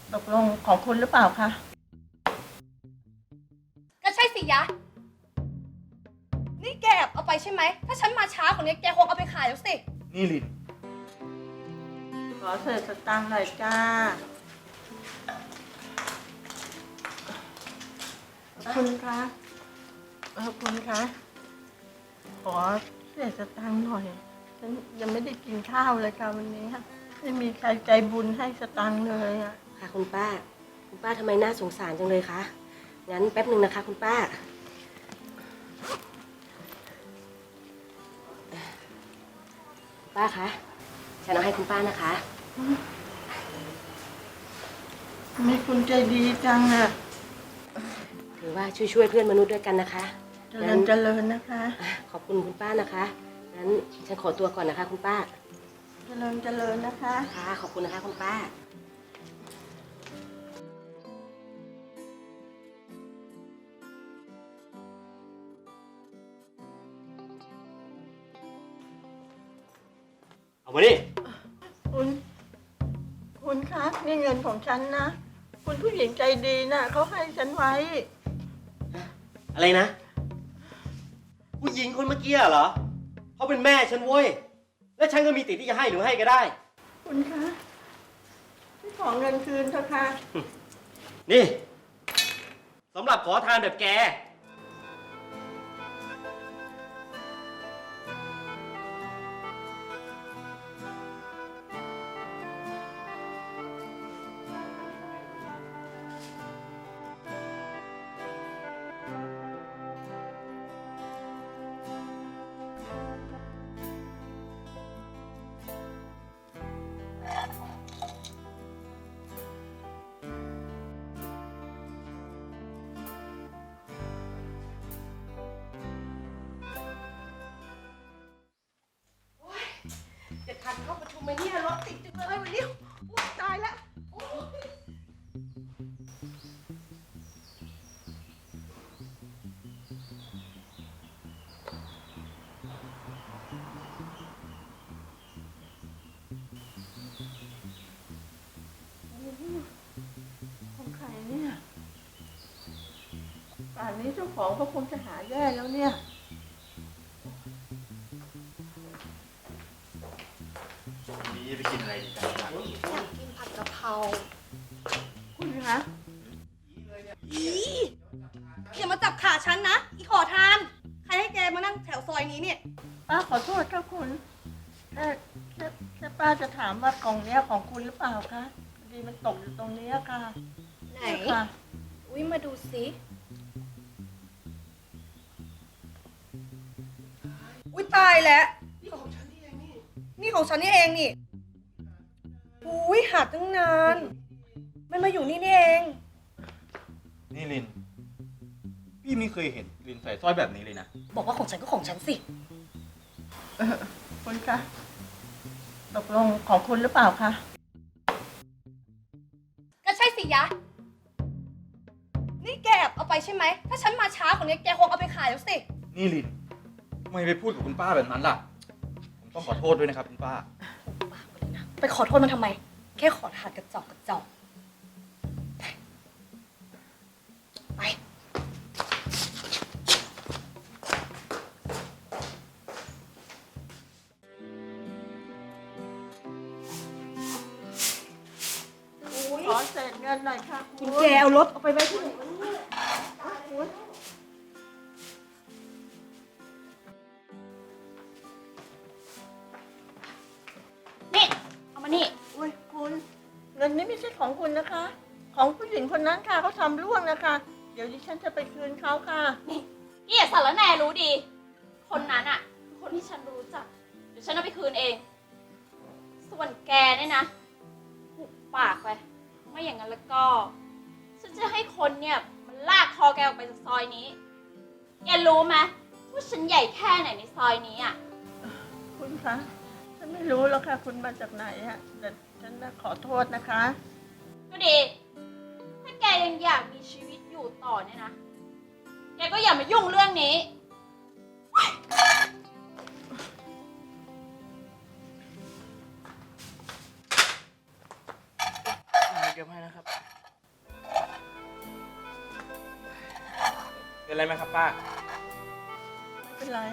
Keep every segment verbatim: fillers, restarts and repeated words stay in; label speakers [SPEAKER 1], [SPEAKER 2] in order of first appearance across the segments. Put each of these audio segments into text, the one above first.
[SPEAKER 1] ตกลงของคุณหรือเปล่าคะ
[SPEAKER 2] ก็ใช่สิยะนี่แกแอบเอาไปใช่ไหมถ้าฉันมาช้ากว่านี้แกคงเอาไปขายแล้วสิ
[SPEAKER 3] นี่ลิน
[SPEAKER 1] ขอเศษสตังค์หน่อยจ้าคุณคะเออคุณคะขอเศษสตังค์หน่อยฉันยังไม่ได้กินข้าวเลยค่ะวันนี้ไม่มีใครใจบุญให้สตังค์เลยอ่ะ
[SPEAKER 4] ค่ะคุณป้าคุณป้าทำไมน่าสงสารจังเลยคะงั้นแป๊บหนึ่งนะคะคุณป้าคุณป้าคะฉันเอาให้คุณป้านะคะ
[SPEAKER 1] ทำไมคุณใจดีจังอ่ะ
[SPEAKER 4] ถือว่าช่วยๆเพื่อนมนุษย์ด้วยกันนะคะ
[SPEAKER 1] เจริญเจริญนะคะ
[SPEAKER 4] ขอบคุณคุณป้านะคะงั้นฉันขอตัวก่อนนะคะคุณป้า
[SPEAKER 1] เจริญเจริญนะคะ
[SPEAKER 4] ค่ะขอบคุณนะคะคุณป้า
[SPEAKER 3] เอามาดิ
[SPEAKER 1] คุณคุณคะนี่เงินของฉันนะคุณผู้หญิงใจดีนะเขาให้ฉันไว้
[SPEAKER 3] อะไรนะผู้หญิงคนเมื่อกี้เหรอเขาเป็นแม่ฉันเว้ยและฉันก็มีสิทธิ์ที่จะให้หรือให้ก็ได้
[SPEAKER 1] คุณคะที่ขอเงินคืนเถอะค่ะ
[SPEAKER 3] นี่สำหรับขอทานแบบแก
[SPEAKER 2] จะทันเข้าประชุมไหมเนี่ยรถติดจังเลยวันนี้อุ๊ยตายแล้ว
[SPEAKER 1] ของใครเนี่ยป่านนี้เจ้าของก็คงจะหาแย่แล้วเนี่ย
[SPEAKER 3] นี่ไปกินอะไรดีกัน
[SPEAKER 2] อยากกินผัดกะเพรา
[SPEAKER 1] คุณคะ
[SPEAKER 2] อีอย่ามาจับขาฉันนะอีขอทานใครให้แกมานั่งแถวซอยนี้เนี่ย
[SPEAKER 1] ป้าขอโทษค่ะคุณแค่แค่แค่ป้าจะถามว่ากล่องเนี้ยของคุณหรือเปล่าคะพอดีมันตกอยู่ตรงนี้ค่ะ
[SPEAKER 2] ไหน
[SPEAKER 1] ค่ะ
[SPEAKER 2] อุ้ยมาดูสิอุ้ยตายแล้วนี่ของฉันนี่เองนี่นี่ของฉันนี่เองนี่อุ้ยหาตั้งนานมันมาอยู่นี่นี่เอง
[SPEAKER 3] นี่ลินพี่ไม่เคยเห็นลินใส่สร้อยแบบนี้เลยนะ
[SPEAKER 2] บอกว่าของฉันก็ของฉันสิ
[SPEAKER 1] เออคุณคะตกลงของคุณหรือเปล่าคะ
[SPEAKER 2] ก็ใช่สิยะนี่แกแอบเอาไปใช่ไหมถ้าฉันมาช้ากว่านี้แกคงเอาไปขายแล้วสิ
[SPEAKER 3] นี่ลินทำไมไปพูดกับคุณป้าแบบนั้นล่ะผมต้องขอโทษด้วยนะครับคุณป้า
[SPEAKER 2] ไปขอโทษมันทำไมแค่ขอทานกระจอกกระจอกไป
[SPEAKER 1] ขอเศษเงินหน่อยค่ะ
[SPEAKER 2] คุณแกเอารถเอาไปไว้ที่ไหนวะเนี่ยนี่เอามานี่
[SPEAKER 1] อุ้ยคุณเงินนี้ไม่ใช่ของคุณนะคะของผู้หญิงคนนั้นค่ะเขาทำร่วงนะคะเดี๋ยวดิฉันจะไปคืนเขาค่ะ
[SPEAKER 5] นี่นี่อย่าสารแหน่รู้ดีคนนั้นอ่ะคือคนที่ฉันรู้จักเดี๋ยวฉันเอาไปคืนเองส่วนแกเนี่ยนะหุบปากไปไม่อย่างนั้นแล้วก็ฉันจะให้คนเนี่ยมันลากคอแกออกไปจากซอยนี้แกรู้ไหมว่าฉันใหญ่แค่ไหนในซอยนี้อ่ะ
[SPEAKER 1] คุณคะฉันไม่รู้แล้วค่ะคุณมาจากไหนอ่ะแต่ฉันขอโทษนะคะ
[SPEAKER 5] ก็ดีถ้าแกยังอยากมีชีวิตอยู่ต่อเนี่ยนะแกก็อย่ามายุ่งเรื่องนี้
[SPEAKER 6] เก็บให้นะครับ เป็นไรไหมครับป้า
[SPEAKER 1] ไม่เป็นไร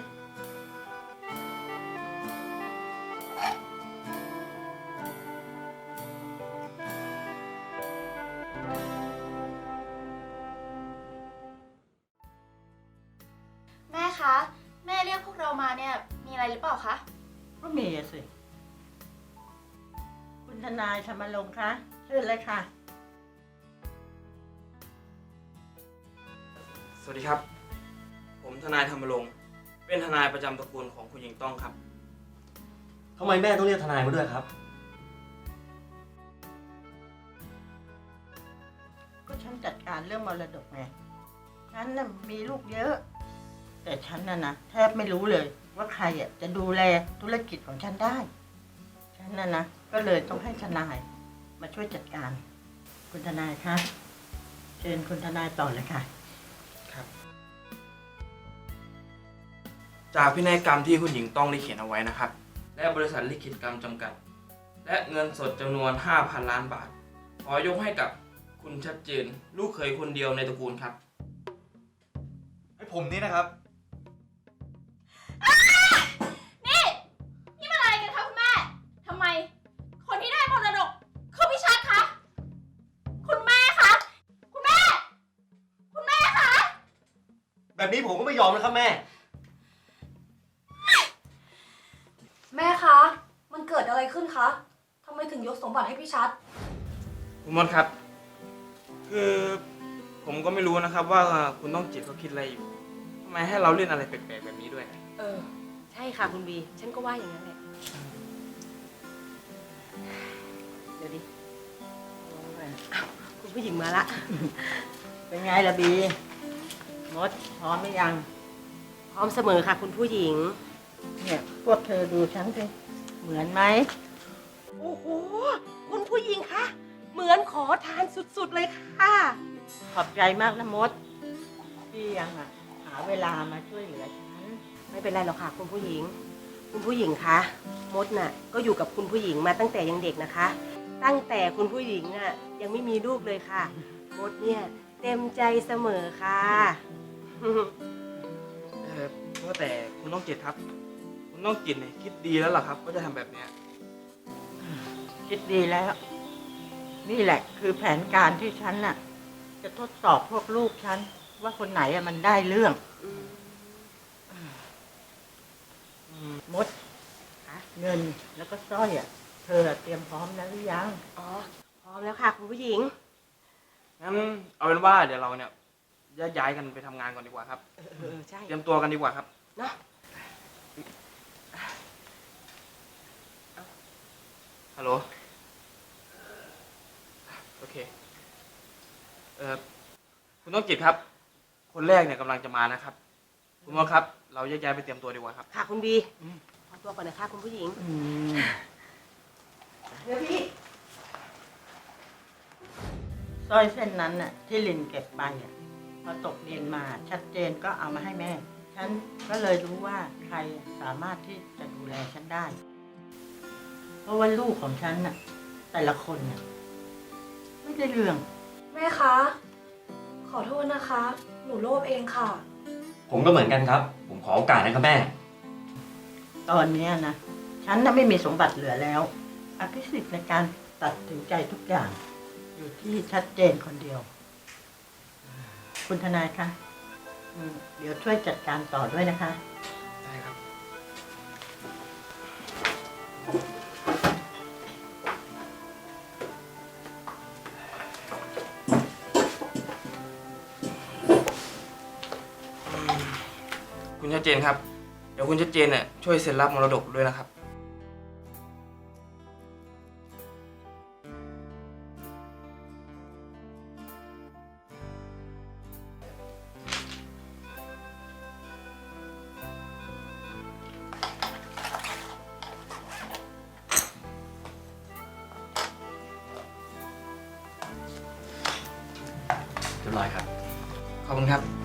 [SPEAKER 5] แม่คะ แม่เรียกพวกเรามาเนี่ย มีอะไรหรือเปล่าคะ
[SPEAKER 1] ก็มีอะสิ คุณทนายธรรมรงค์คะเชิญเลยค่ะ
[SPEAKER 6] สวัสดีครับ ผมทนายธรรมรงค์เป็นทนายประจำตระกูลของคุณหญิงต้องครับ
[SPEAKER 3] ทำไมแม่ต้องเรียกทนายมาด้วยครับ
[SPEAKER 1] ก็ฉันจัดการเรื่องมรดกไง ฉันน่ะมีลูกเยอะ แต่ฉันน่ะนะแทบไม่รู้เลยว่าใครอ่ะจะดูแลธุรกิจของฉันได้ ฉันน่ะนะก็เลยต้องให้ทนายมาช่วยจัดการ คุณทนายคะเชิญคุณทนายต่อเลยค่ะ
[SPEAKER 6] จากพินัยกรรมที่คุณหญิงต้องได้เขียนเอาไว้นะครับ และบริษัทลิขิตกรรมจำกัด และเงินสดจำนวน ห้าพัน ล้านบาท ขอยกให้กับคุณชัดเจน ลูกเขยคนเดียวในตระกูลครับ
[SPEAKER 7] ให้ผมนี่นะครับ
[SPEAKER 5] นี่ นี่มันอะไรกันคะคุณแม่ ทำไม คนที่ได้มรดกคือพี่ชัดคะ คุณแม่คะ คุณแม่ คุณแม่คะ
[SPEAKER 3] แบบนี้ผมก็ไม่ยอมนะครับแม่
[SPEAKER 2] แม่คะ มันเกิดอะไรขึ้นคะทำไมถึงยกสมบัติให้พี่ชัด
[SPEAKER 6] คุณมดครับ คือผมก็ไม่รู้นะครับว่าคุณต้องจิตเขาคิดอะไรอยู่ทำไมให้เราเล่นอะไรแปลกๆแบบนี้ด้วย
[SPEAKER 4] เออ ใช่ค่ะคุณบี ฉันก็ว่าอย่างนั้นแหละ เดี๋ยวดิอ้าวคุณผู้หญิงมาละ
[SPEAKER 1] เป็นไงล่ะบีมดพร้อมหรือยัง
[SPEAKER 4] พร้อมเสมอค่ะคุณผู้หญิง
[SPEAKER 1] เนี่ยพวกเธอดูฉันสิเหมือนไหม
[SPEAKER 4] โอ้โห คุณผู้หญิงคะ เหมือนขอทานสุดๆเลยค่ะ
[SPEAKER 1] ขอบใจมากนะมด ที่ยังอ่ะหาเวลามาช่วยเหลือฉัน
[SPEAKER 4] ไม่เป็นไรหรอกค่ะคุณผู้หญิง คุณผู้หญิงคะ มดน่ะ ก็อยู่กับคุณผู้หญิงมาตั้งแต่ยังเด็กนะคะ ตั้งแต่คุณผู้หญิงอ่ะยังไม่มีลูกเลยค่ะ มดเนี่ยเต็มใจเสมอค่ะ
[SPEAKER 6] เออว่าแต่คุณต้องจิตครับ คุณต้องจิตเนี่ยคิดดีแล้วล่ะครับว่าจะทำแบบเนี้ย
[SPEAKER 1] คิดดีแล้ว นี่แหละคือแผนการที่ฉันน่ะ จะทดสอบพวกลูกฉัน ว่าคนไหนอะมันได้เรื่องมดเงินแล้วก็สร้อยอ่ะ เธอเตรียมพร้อมแล้วหรือยัง
[SPEAKER 4] อ๋อ พร้อมแล้วค่ะคุณผู้หญิง
[SPEAKER 6] งั้นเอาเป็นว่าเดี๋ยวเราเนี่ยแยกย้ายกันไปทำงานก่อนดีกว่าครับ
[SPEAKER 4] เออเออใช่
[SPEAKER 6] เตรียมตัวกันดีกว่าครับ
[SPEAKER 4] เนาะ
[SPEAKER 6] ฮัลโหล โอเค เออคุณต้องจิตครับ คนแรกเนี่ยกำลังจะมานะครับ คุณมดครับ เราแยกย้ายไปเตรียมตัวดีกว่าครับ
[SPEAKER 4] ค่ะคุณบีขอตัวก่อนนะคะคุณผู้หญิง
[SPEAKER 1] อืม
[SPEAKER 4] เดี๋ยวพี่
[SPEAKER 1] สร้อยเส้นนั้นน่ะ ที่ลินเก็บไปอ่ะพอตกเย็นมาชัดเจนก็เอามาให้แม่ ฉันก็เลยรู้ว่าใครสามารถที่จะดูแลฉันได้ เพราะว่าลูกของฉันน่ะ แต่ละคนน่ะไม่ได้เรื่อง
[SPEAKER 2] แม่คะ ขอโทษนะคะ หนูโลภเองค่ะ
[SPEAKER 3] ผมก็เหมือนกันครับ ผมขอโอกาสนะครับแม่
[SPEAKER 1] ตอนเนี้ยนะ ฉันน่ะไม่มีสมบัติเหลือแล้วอภิสิทธิ์ในการตัดสินใจทุกอย่าง อยู่ที่ชัดเจนคนเดียว คุณทนายคะอืมเดี๋ยวช่วยจัดการต่อด้วยนะคะ
[SPEAKER 6] ได้ครับ คุณชัดเจนครับ เดี๋ยวคุณชัดเจนเนี่ยช่วยเซ็นรับมรดกด้วยนะครับ
[SPEAKER 3] เรียบร้อยครับ
[SPEAKER 6] ขอบคุณครับ